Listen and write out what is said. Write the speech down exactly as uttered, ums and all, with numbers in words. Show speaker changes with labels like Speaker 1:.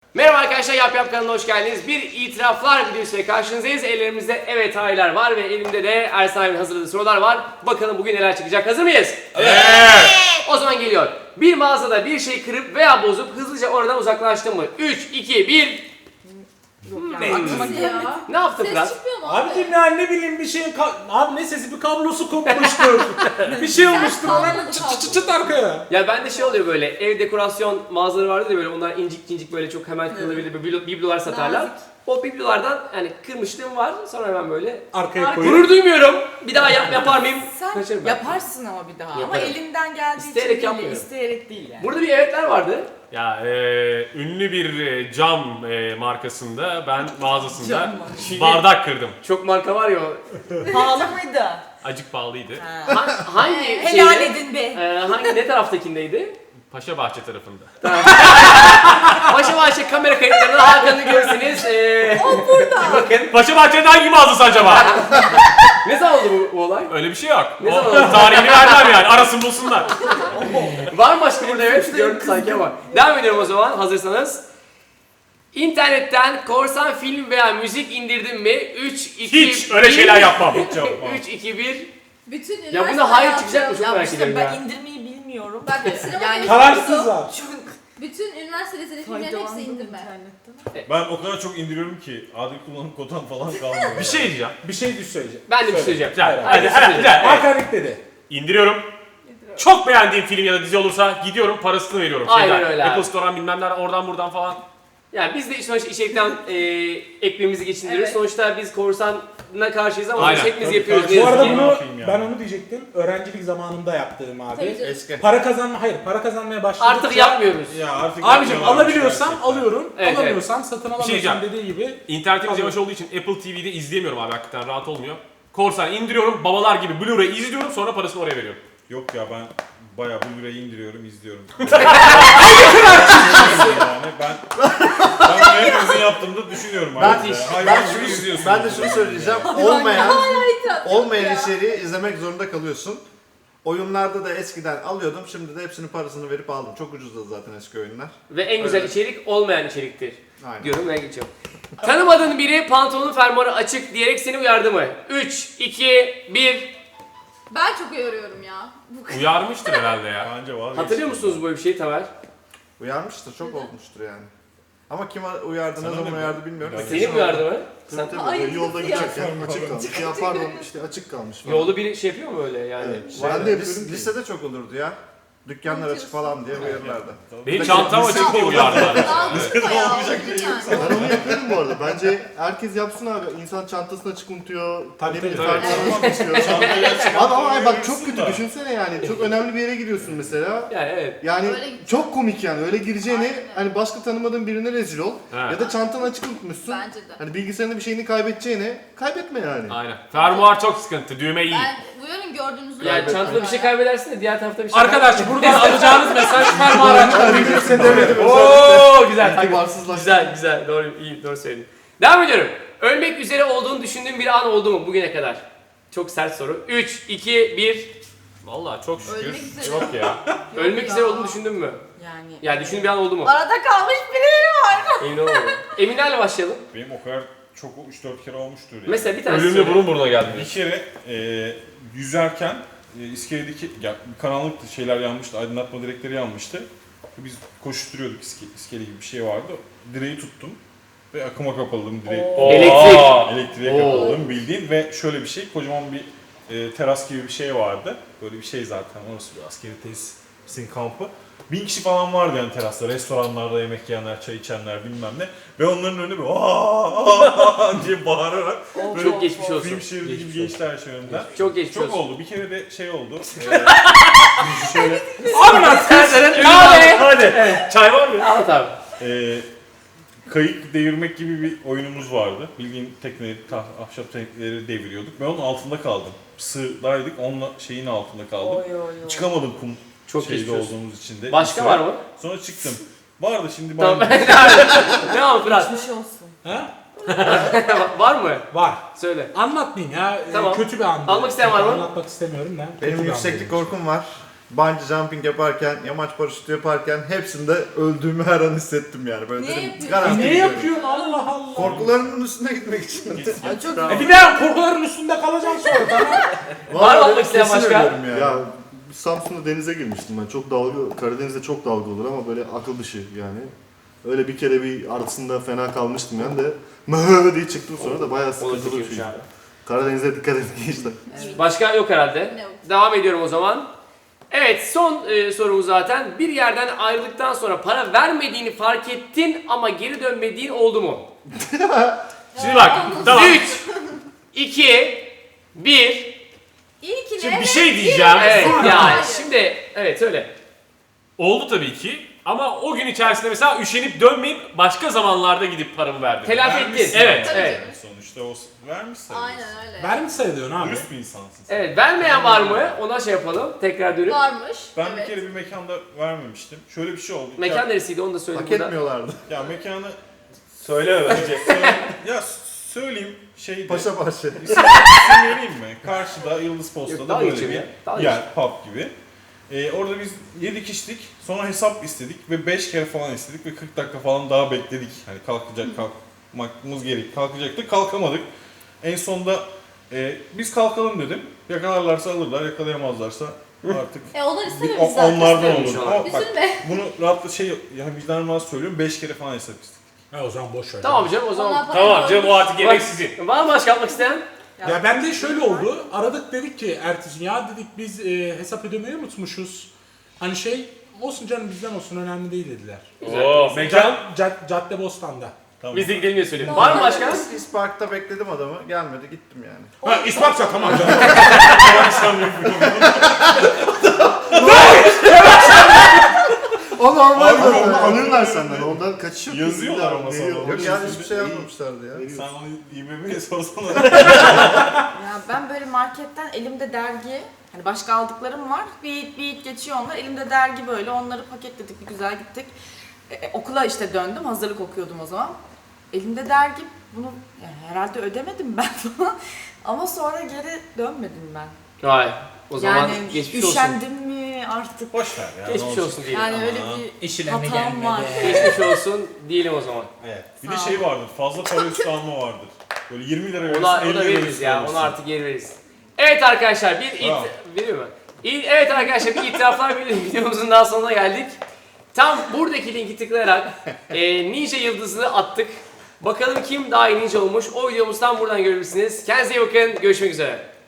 Speaker 1: Merhaba arkadaşlar, Yap Yap kanalına hoş geldiniz. Bir itiraflar videosuyla karşınızdayız. Ellerimizde evet hayırlar var ve elimde de Ersan abinin hazırladığı sorular var. Bakalım bugün neler çıkacak. Hazır mıyız?
Speaker 2: Evet.
Speaker 1: O zaman geliyor. Bir mağazada bir şey kırıp veya bozup hızlıca oradan uzaklaştın mı? üç, iki, bir.
Speaker 3: Ne? Aklıma gelmedi.
Speaker 1: Ne yaptın
Speaker 3: Ses
Speaker 1: Fırat?
Speaker 3: çıkmıyor mu abi?
Speaker 2: Abicim ya ne bileyim bir şeyin ka- abi ne sesi bir kablosu kopmuştur. bir şey olmuştur ona
Speaker 3: kalmadı,
Speaker 2: çıt çıt çıt çıt arkaya.
Speaker 1: Ya bende şey oluyor böyle, ev dekorasyon mağazaları vardı ya böyle, onlar incik incik böyle çok hemen kırılabilir biblo- biblolar satarlar.
Speaker 3: Nazik.
Speaker 1: O biblolardan yani kırmışlığım var, sonra hemen böyle
Speaker 2: Arkaya
Speaker 3: Ar-
Speaker 2: koyuyor.
Speaker 1: gurur duymuyorum. Bir daha yap, yapar mıyım?
Speaker 3: Sen
Speaker 1: Kaçarım ben.
Speaker 3: yaparsın ama bir daha. Ama
Speaker 1: Yaparım.
Speaker 3: elinden geldiği
Speaker 1: İsteyerek
Speaker 3: için değil,
Speaker 1: yapmıyorum.
Speaker 3: isteyerek değil yani.
Speaker 1: Burada bir evetler vardı.
Speaker 4: Ya e, ünlü bir e, cam e, markasında ben mağazasında
Speaker 3: Cam
Speaker 4: bardak kırdım.
Speaker 1: Çok marka var ya o.
Speaker 3: Pahalı mıydı?
Speaker 4: Acık pahalıydı.
Speaker 3: Ha.
Speaker 1: Ha- hangi
Speaker 3: Helal
Speaker 1: şeyde?
Speaker 3: edin be.
Speaker 1: Ee, hangi ne taraftakindeydi?
Speaker 4: Paşa Bahçe tarafında.
Speaker 1: Paşa Bahçe kamera kayıtlarında Hakan'ı görürsünüz. Ee,
Speaker 3: O burada.
Speaker 1: bakın.
Speaker 4: Paşa Bahçe'nin hangi mağazası acaba?
Speaker 1: Ne zaman oldu bu, bu olay?
Speaker 4: Öyle bir şey yok.
Speaker 1: Ne
Speaker 4: O
Speaker 1: zaman oldu?
Speaker 4: tarihini vermem yani. Arasın bulsunlar.
Speaker 1: Var mı başka burada? Evet gördüm sanki ama. Devam ediyorum o zaman hazırsanız. İnternetten korsan film veya müzik indirdin mi? üç, iki,
Speaker 4: Hiç öyle şeyler yapmam. Hiç yapmam.
Speaker 1: üç, iki, bir.
Speaker 3: Bütün
Speaker 1: Ya
Speaker 3: üniversite
Speaker 1: buna hayır
Speaker 3: hayatı-
Speaker 1: çıkacak mı? Çok
Speaker 3: Ya
Speaker 1: merak
Speaker 3: işte
Speaker 1: ediyorum
Speaker 3: ben
Speaker 1: ya.
Speaker 3: indirmeyi bilmiyorum.
Speaker 5: Bak sinema
Speaker 3: Yani-
Speaker 2: Kararsızlar.
Speaker 3: Çok
Speaker 5: bütün üniversite liseli filmlerin hepsi
Speaker 3: faydalandım
Speaker 5: indirme.
Speaker 3: internetten.
Speaker 6: Ben o kadar çok indiriyorum ki adil kullanım kotam falan kalmıyor.
Speaker 4: Bir şey diyeceğim.
Speaker 2: Bir şey düş söyleyeceğim.
Speaker 1: Ben de bir şey söyleyeceğim.
Speaker 4: Güzel.
Speaker 2: Hayır,
Speaker 4: Hadi
Speaker 1: hayır.
Speaker 4: hadi güzel. Evet.
Speaker 2: Hakan ilk dedi.
Speaker 4: İndiriyorum. Çok beğendiğim film ya da dizi olursa gidiyorum parasını veriyorum.
Speaker 1: Aynen
Speaker 4: Şeyden,
Speaker 1: öyle abi.
Speaker 4: Apple Store'dan bilmem nereden oradan buradan falan.
Speaker 1: Yani biz de sonuçta içerikten e, ekmeğimizi geçindiriyoruz.
Speaker 3: Evet.
Speaker 1: Sonuçta biz korsana karşıyız ama
Speaker 4: Aynen.
Speaker 1: biz hepimiz
Speaker 6: Tabii,
Speaker 1: yapıyoruz.
Speaker 6: tabii.
Speaker 1: ne
Speaker 2: Bu
Speaker 1: yazık
Speaker 2: arada
Speaker 1: ki.
Speaker 6: Ne
Speaker 2: bunu
Speaker 6: yapayım yani?
Speaker 2: ben onu diyecektim. Öğrencilik zamanında yaptığım abi.
Speaker 5: Tabii canım.
Speaker 6: Eski.
Speaker 2: Para kazanma hayır para kazanmaya başladıkça
Speaker 1: Artık yapmıyoruz.
Speaker 6: Ya artık
Speaker 2: Abicim
Speaker 6: yapmıyorlarmış
Speaker 2: alabiliyorsam
Speaker 6: gerçekten.
Speaker 2: alıyorum.
Speaker 1: Evet,
Speaker 2: alamıyorsam satın
Speaker 4: şey
Speaker 2: alamıyorsam
Speaker 4: diyeceğim.
Speaker 2: dediği gibi.
Speaker 4: İnternetimiz
Speaker 2: Tabii.
Speaker 4: yavaş olduğu için Apple T V'de izleyemiyorum abi hakikaten rahat olmuyor. Korsan indiriyorum babalar gibi Blu-ray izliyorum sonra parasını oraya veriyorum.
Speaker 6: Yok ya ben bayağı Blu-ray'i indiriyorum, izliyorum. yani ben ben bunu hepimizin yaptığımda düşünüyorum
Speaker 7: Ben,
Speaker 6: artık. ya. Hayvan
Speaker 7: ben,
Speaker 6: gibi
Speaker 7: şunu,
Speaker 6: izliyorsun.
Speaker 7: ben de şunu söyleyeceğim. Olmayan,
Speaker 5: İtiraf
Speaker 7: olmayan
Speaker 5: ya.
Speaker 7: içeriği izlemek zorunda kalıyorsun. Oyunlarda da eskiden alıyordum. Şimdi de hepsinin parasını verip aldım. Çok ucuzdu zaten eski oyunlar.
Speaker 1: Ve en güzel
Speaker 7: Evet.
Speaker 1: içerik olmayan içeriktir.
Speaker 7: Aynen.
Speaker 1: Diyorum ve geçiyorum. Tanımadığın biri pantolonun fermuarı açık diyerek seni uyardı mı? üç, iki, bir.
Speaker 5: Ben çok uyarıyorum ya. Bu
Speaker 4: Uyarmıştır herhalde ya.
Speaker 6: Bence var.
Speaker 1: Hatırlıyor musunuz böyle bir şeyi Tamer?
Speaker 7: Uyarmıştır. Çok olmuştur yani. Ama kim uyardı, ne
Speaker 6: Sana
Speaker 7: zaman
Speaker 6: ne
Speaker 7: uyardı bilmiyorum. da
Speaker 6: Seni
Speaker 1: Seni
Speaker 7: kesin
Speaker 1: mi uyardı mı?
Speaker 7: Tabii
Speaker 1: Sen
Speaker 7: tabii.
Speaker 5: Ay,
Speaker 7: Böyle yolda
Speaker 5: nasıl
Speaker 7: giderken
Speaker 5: ya?
Speaker 7: açık kalmış. Ya pardon işte açık kalmış. falan.
Speaker 1: yolda biri şey yapıyor mu öyle yani?
Speaker 7: Evet.
Speaker 1: Vay
Speaker 7: Ben
Speaker 1: be.
Speaker 7: de lis- lisede çok olurdu ya. Dükkanlar açık falan diye uyarırlardı.
Speaker 4: Benim çantam açık diye uyardılar.
Speaker 5: Algısma ya.
Speaker 6: Olmayacak
Speaker 5: olur
Speaker 6: şey
Speaker 5: yani.
Speaker 7: Ben onu yapıyorum bu arada. Bence herkes yapsın abi. İnsan çantasını açık unutuyor.
Speaker 2: Tabii,
Speaker 7: ne bileyim
Speaker 2: tabii.
Speaker 7: fermuarını unutuyor. Abi ama ay bak çok kötü düşünsene yani. Çok önemli bir yere giriyorsun mesela.
Speaker 1: Yani evet.
Speaker 7: Yani
Speaker 5: Öyle gideceğim.
Speaker 7: çok komik yani. Öyle gireceğine
Speaker 5: Aynen.
Speaker 7: hani başka tanımadığın birine rezil ol.
Speaker 4: He.
Speaker 7: Ya da çantanı açık unutmuşsun.
Speaker 5: Bence de.
Speaker 7: Hani bilgisayarında bir şeyini kaybedeceğine kaybetme yani.
Speaker 4: Aynen. Fermuar çok sıkıntı. Düğme iyi.
Speaker 5: Ben uyarın gördüğünüzü.
Speaker 1: Yani çantada bir şey kaybedersin de diğer tarafta bir şey
Speaker 2: Arkadaş buradan alacağınız mesaj fermuar açık.
Speaker 7: Kimse demedim
Speaker 1: Oo güzel. takip.
Speaker 7: İtibarsızlaştı.
Speaker 1: Güzel güzel doğru iyi doğru söyledin. Devam ediyorum. Ölmek üzere olduğunu düşündüğün bir an oldu mu bugüne kadar? Çok sert soru. üç, iki, bir.
Speaker 4: Vallahi çok şükür.
Speaker 5: Ölmek üzere.
Speaker 4: Yok ya.
Speaker 1: Ölmek
Speaker 5: ya.
Speaker 1: üzere olduğunu düşündün mü?
Speaker 3: Yani.
Speaker 1: Yani düşündüğün bir an oldu mu?
Speaker 3: Arada kalmış birileri var.
Speaker 1: Emin olamadım. Eminlerle başlayalım.
Speaker 6: Benim o kadar çok üç dört kere olmuştur yani.
Speaker 1: Mesela bir tanesi
Speaker 4: Ölümle
Speaker 1: söyle.
Speaker 4: burun buruna geldi.
Speaker 6: Bir kere e, yüzerken e, iskeledeki ya, karanlıktı, şeyler yanmıştı, aydınlatma direkleri yanmıştı. Biz koşturuyorduk, iske, iskele gibi bir şey vardı. Direği tuttum ve akıma kapıldım direği.
Speaker 1: Elektrik.
Speaker 6: Elektriğe
Speaker 1: Oo.
Speaker 6: kapıldım bildiğin ve şöyle bir şey, kocaman bir e, teras gibi bir şey vardı. Böyle bir şey zaten, orası bir askeri tesisin kampı. Bin kişi falan vardı yani terasta, restoranlarda yemek yiyenler, çay içenler bilmem ne. Ve onların önünde böyle aaa diye bağırarak böyle
Speaker 1: Çok geçmiş olsun.
Speaker 6: film şeridi gibi
Speaker 1: Geçmiş olsun.
Speaker 6: geçti her şey önümden.
Speaker 1: Çok geçmiş
Speaker 6: Çok
Speaker 1: olsun.
Speaker 6: oldu. Bir kere de şey oldu. Ee, şöyle
Speaker 1: Serdar'ın kahve.
Speaker 4: Hadi. Çay var mı?
Speaker 1: Anlat abi.
Speaker 6: e, kayık devirmek gibi bir oyunumuz vardı. Bildiğin tekneleri, tah- ahşap tekneleri deviriyorduk. Ben onun altında kaldım. Sığdaydık, onunla şeyin altında kaldım.
Speaker 3: Oy oy oy.
Speaker 6: Çıkamadım kum
Speaker 1: Çok
Speaker 6: şeyde
Speaker 1: geçmiş olsun.
Speaker 6: olduğumuz için de.
Speaker 1: Başka
Speaker 6: Bir
Speaker 1: var
Speaker 6: süre.
Speaker 1: mı?
Speaker 6: Sonra çıktım. Vardı şimdi
Speaker 1: Tamam.
Speaker 6: ben.
Speaker 1: Devam Fırat.
Speaker 3: Geçmiş olsun.
Speaker 2: Ha?
Speaker 1: Var mı?
Speaker 2: Var.
Speaker 1: Söyle.
Speaker 2: Anlatmayayım ya. Ee,
Speaker 1: Tamam.
Speaker 2: Kötü bir andı.
Speaker 1: Almak isteyen var mı?
Speaker 2: Anlatmak istemiyorum da. Kötü
Speaker 7: Benim
Speaker 2: bir
Speaker 7: yükseklik
Speaker 2: andıymış.
Speaker 7: korkum var. bungee jumping yaparken, yamaç paraşütü yaparken hepsinde öldüğümü her an hissettim yani. Böyle
Speaker 5: Niye
Speaker 7: dedim,
Speaker 5: yapıyorsun?
Speaker 7: garanti
Speaker 2: Ne
Speaker 7: gidiyorum.
Speaker 2: yapıyorsun Allah Allah.
Speaker 7: Korkularımın üstüne gitmek için.
Speaker 3: Ay çok
Speaker 2: E bir daha korkuların üstünde kalacaksın sonra tamam.
Speaker 1: Var mı
Speaker 7: Vallahi
Speaker 1: almak isteyen
Speaker 7: kesin
Speaker 1: başka?
Speaker 7: ölüyorum yani.
Speaker 8: Ya Samsun'da denize girmiştim ben. Çok dalga, Karadeniz'de çok dalga olur ama böyle akıl dışı yani. Öyle bir kere bir arasında fena kalmıştım yani de mı diye çıktım sonra da bayağı
Speaker 1: O da
Speaker 8: sıkıntılı bir
Speaker 1: kötüymüş
Speaker 8: şey.
Speaker 1: abi.
Speaker 8: Karadeniz'e dikkat edin gençler.
Speaker 1: Başka yok herhalde.
Speaker 5: Yok.
Speaker 1: Devam ediyorum o zaman. Evet, son e, sorumuz zaten. Bir yerden ayrıldıktan sonra para vermediğini fark ettin ama geri dönmediğin oldu mu?
Speaker 4: Şimdi bak tamam.
Speaker 1: üç, iki, bir.
Speaker 5: İlkine
Speaker 4: Şimdi bir
Speaker 5: evet,
Speaker 4: şey diyeceğim.
Speaker 1: Evet,
Speaker 5: Sonra
Speaker 1: yani
Speaker 5: hayır.
Speaker 1: şimdi evet söyle.
Speaker 4: Oldu tabii ki. Ama o gün içerisinde mesela üşenip dönmeyip başka zamanlarda gidip paramı verdim.
Speaker 1: Telafi ettin.
Speaker 6: Vermişsin.
Speaker 4: Evet.
Speaker 5: Tabii
Speaker 1: Evet.
Speaker 5: canım.
Speaker 6: Sonuçta o vermiş sayılır.
Speaker 5: Aynen öyle.
Speaker 2: Ver mi sayılıyorsun abi?
Speaker 6: Dürüst bir insansın sen.
Speaker 1: Evet, vermeyen var mı? Ona şey yapalım. Tekrar dönüp.
Speaker 5: Varmış.
Speaker 6: Ben
Speaker 5: evet.
Speaker 6: bir kere bir mekanda vermemiştim. Şöyle bir şey oldu.
Speaker 1: Mekan
Speaker 6: Ya,
Speaker 1: neresiydi onu da söyle
Speaker 7: Hak
Speaker 1: burada.
Speaker 7: etmiyorlardı.
Speaker 6: ya mekanı
Speaker 1: Söyle
Speaker 6: Söyle- ya söyleyeyim şeydi.
Speaker 7: Paşa bahçe.
Speaker 6: İsim, isim vereyim mi? Karşıda Yıldız
Speaker 1: Yok,
Speaker 6: Posta'da
Speaker 1: dalga
Speaker 6: böyle
Speaker 1: geçiyorum
Speaker 6: bir
Speaker 1: ya, dalga
Speaker 6: yer, pub gibi. Ee, orada biz yedik içtik, sonra hesap istedik ve beş kere falan istedik ve kırk dakika falan daha bekledik. Hani kalkacak, kalkmamız gerek, kalkacaktık, kalkamadık. En sonunda e, biz kalkalım dedim. Yakalarlarsa alırlar, yakalayamazlarsa artık
Speaker 5: E onlar
Speaker 6: bir-
Speaker 5: istememiş
Speaker 6: o-
Speaker 5: zaten.
Speaker 6: onlardan
Speaker 1: istememiş
Speaker 6: olur.
Speaker 1: onlar.
Speaker 6: Ama bak
Speaker 5: Üzülme.
Speaker 6: bunu rahatla şey, yani vicdanıma söylüyorum, beş kere falan hesap istedik.
Speaker 2: Ha, o zaman boş ver.
Speaker 1: Tamam canım o
Speaker 5: Onlar
Speaker 1: zaman.
Speaker 5: para
Speaker 4: Tamam canım o
Speaker 5: koymuş.
Speaker 4: artık gerek sizin.
Speaker 1: Var mı başka yapmak isteyen?
Speaker 2: Ya ben de şöyle oldu. Aradık dedik ki ertesi gün ya dedik biz e, hesap ödemeyi unutmuşuz. Hani şey olsun canım bizden olsun önemli değil dediler.
Speaker 4: Oo, mekan.
Speaker 2: Cad, Cadde Bostan'da.
Speaker 6: Tamam.
Speaker 1: Biz de gidelim diye söyleyeyim. Var mı başka?
Speaker 7: İspark'ta bekledim adamı. Gelmedi gittim yani.
Speaker 2: Ha İspatça tamam canım.
Speaker 7: O normal
Speaker 8: Abi
Speaker 7: zaten.
Speaker 8: onu alırlar senden. Ondan kaçış yok.
Speaker 6: Yazıyorlar ama sana.
Speaker 8: Veriyor.
Speaker 7: Yok yani hiçbir şey yazmamışlardı ya.
Speaker 8: Veriyor.
Speaker 6: Sen onu İ B B'ye sorsana.
Speaker 3: Ya ben böyle marketten elimde dergi, hani başka aldıklarım var. Bir bir geçiyor onlar. Elimde dergi böyle. Onları paketledik, bir güzel gittik. E, okula işte döndüm. Hazırlık okuyordum o zaman. Elimde dergi. Bunu yani herhalde ödemedim ben falan. Ama sonra geri dönmedim ben.
Speaker 1: Vay. O zaman
Speaker 3: yani
Speaker 1: geçmiş olsun.
Speaker 3: üşendim mi artık?
Speaker 6: Boş ver ya. ne
Speaker 1: Geçmiş
Speaker 6: olacak?
Speaker 1: olsun diyelim.
Speaker 3: Yani öyle bir
Speaker 2: İşine mi
Speaker 3: hatam var.
Speaker 1: Geçmiş olsun diyelim o zaman.
Speaker 6: Evet. Bir
Speaker 3: Sağ
Speaker 6: de
Speaker 3: ol.
Speaker 6: şey vardır, fazla para üstü alma vardır. Böyle yirmi lira verirsin,
Speaker 1: Ona,
Speaker 6: elli
Speaker 1: ona
Speaker 6: lira
Speaker 1: veririz
Speaker 6: üstü
Speaker 1: ya.
Speaker 6: alırsın.
Speaker 1: Onu artık geri veririz. Evet arkadaşlar bir it
Speaker 6: Bravo.
Speaker 1: veriyor mu? İyi- Evet arkadaşlar bir itiraflar bir videomuzun daha sonuna geldik. Tam buradaki linki tıklayarak e, Ninja Yıldızı'nı attık. Bakalım kim daha iyi ninja olmuş. O videomuzdan buradan görebilirsiniz. Kendinize iyi bakın. Görüşmek üzere.